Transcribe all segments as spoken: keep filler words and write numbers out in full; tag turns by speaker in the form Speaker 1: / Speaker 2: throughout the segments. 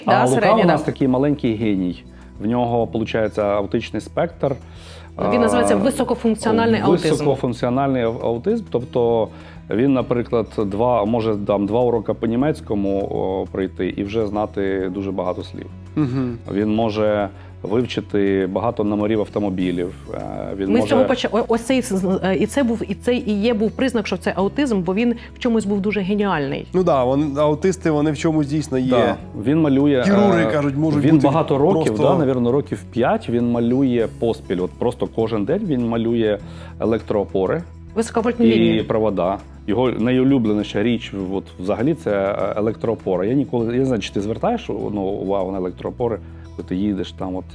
Speaker 1: Да,
Speaker 2: А Лука
Speaker 1: середній,
Speaker 2: у нас
Speaker 1: да.
Speaker 2: такий маленький геній. В нього, виходить, аутичний спектр.
Speaker 1: Він називається високофункціональний аутизм.
Speaker 2: Високофункціональний аутизм, тобто він, наприклад, два, може там, два уроки по німецькому о, пройти і вже знати дуже багато слів.
Speaker 3: Угу.
Speaker 2: Він може вивчити багато номерів автомобілів. Е, Він
Speaker 1: Ми
Speaker 2: може...
Speaker 1: з цього почали. Ось цей і це був і це і є був признак, що це аутизм, бо він в чомусь був дуже геніальний.
Speaker 3: Ну так, да, вони, аутисти, вони в чомусь дійсно є.
Speaker 2: Да. Він малює.
Speaker 3: Хірурги,
Speaker 2: е,
Speaker 3: кажуть, можуть
Speaker 2: він
Speaker 3: бути
Speaker 2: багато років,
Speaker 3: просто-
Speaker 2: да, навірно, років п'ять він малює поспіль. От просто кожен день він малює електроопори
Speaker 1: Високовольтні
Speaker 2: і
Speaker 1: лінії.
Speaker 2: провода. Його найулюбленіша річ, от взагалі, це електроопора. Я ніколи я не знаю, чи ти звертаєш ну, увагу на електроопори, коли ти їдеш там. От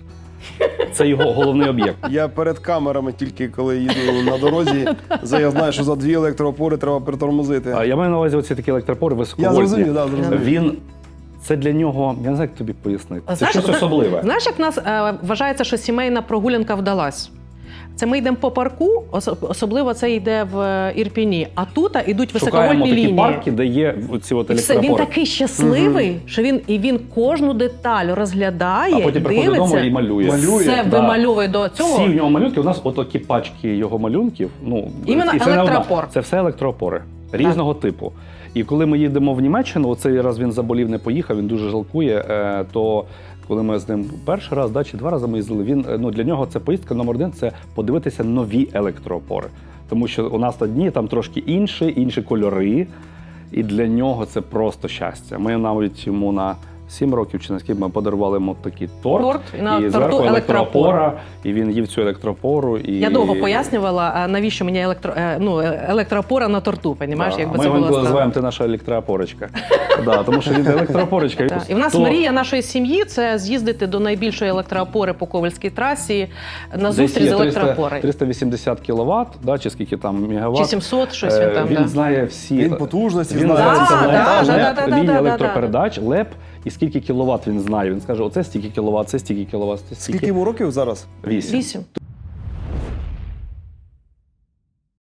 Speaker 2: це його головний об'єкт.
Speaker 3: Я перед камерами тільки коли їду на дорозі, за- я знаю, що за дві електроопори треба притормозити.
Speaker 2: А я маю на увазі оці такі електроопори
Speaker 3: Я
Speaker 2: високовольтні.
Speaker 3: зрозумів, да, зрозумів.
Speaker 2: Він це для нього, я не знаю, як тобі пояснити. Це
Speaker 1: Знаєш,
Speaker 2: щось
Speaker 1: зна-
Speaker 2: особливе.
Speaker 1: Знаєш, як в нас е, вважається, що сімейна прогулянка вдалась? Це ми йдемо по парку, ос- особливо це йде в е, Ірпіні, а тут ідуть
Speaker 2: Шукаємо
Speaker 1: високовольтні
Speaker 2: такі
Speaker 1: лінії.
Speaker 2: парки, де є ці от
Speaker 1: І все, він
Speaker 2: електроопори.
Speaker 1: такий щасливий, що він і він кожну деталь розглядає,
Speaker 2: А потім приходить
Speaker 1: дивиться,
Speaker 2: додому і малює.
Speaker 3: Малює.
Speaker 1: все
Speaker 2: Да.
Speaker 1: вимальовує до цього.
Speaker 2: Всі в нього малюнки, у нас от такі пачки його малюнків. Ну,
Speaker 1: Іменно
Speaker 2: і це не одна.
Speaker 1: електроопор.
Speaker 2: Це все електроопори різного типу. І коли ми їдемо в Німеччину, оцей раз він заболів, не поїхав, він дуже жалкує, е, то коли ми з ним перший раз, да, чи два рази ми їздили, він, е, ну, для нього це поїздка номер один, це подивитися нові електроопори. Тому що у нас одні там трошки інші, інші кольори, і для нього це просто щастя. Ми навіть йому на сім років чи на скільки ми подарували йому такий торт,
Speaker 1: Торт, і на
Speaker 2: і
Speaker 1: торту
Speaker 2: зверху електроопора,
Speaker 1: електроопора.
Speaker 2: і він їв цю електроопору. І...
Speaker 1: Я довго пояснювала, а навіщо мені електро, е, ну, е, електроопора на торту, понімаєш,
Speaker 2: Да.
Speaker 1: якби
Speaker 2: Ми
Speaker 1: це
Speaker 2: його
Speaker 1: було странно.
Speaker 2: називаємо «ти наша електроопорочка». Да, тому що він електроопорочка.
Speaker 1: Так. І в нас
Speaker 2: То
Speaker 1: мрія нашої сім'ї – це з'їздити до найбільшої електроопори по Ковальській трасі на
Speaker 2: десь
Speaker 1: зустріч
Speaker 2: є
Speaker 1: з електроопори.
Speaker 2: триста вісімдесят кіловат, да, чи скільки там мегаватт.
Speaker 1: Чи сімсот, щось він
Speaker 2: Е,
Speaker 1: там.
Speaker 2: Він
Speaker 1: да.
Speaker 2: знає всі.
Speaker 3: Він потужності
Speaker 2: Він
Speaker 3: знає.
Speaker 2: називається
Speaker 1: Да,
Speaker 2: леп,
Speaker 1: да, да,
Speaker 2: леп,
Speaker 1: да, да,
Speaker 2: лінія
Speaker 1: да, да,
Speaker 2: електропередач, леп, і скільки кіловат він знає. Він скаже, оце стільки кіловат, це стільки кіловат, це стільки.
Speaker 3: Скільки йому років зараз?
Speaker 2: Вісім.
Speaker 1: Вісім.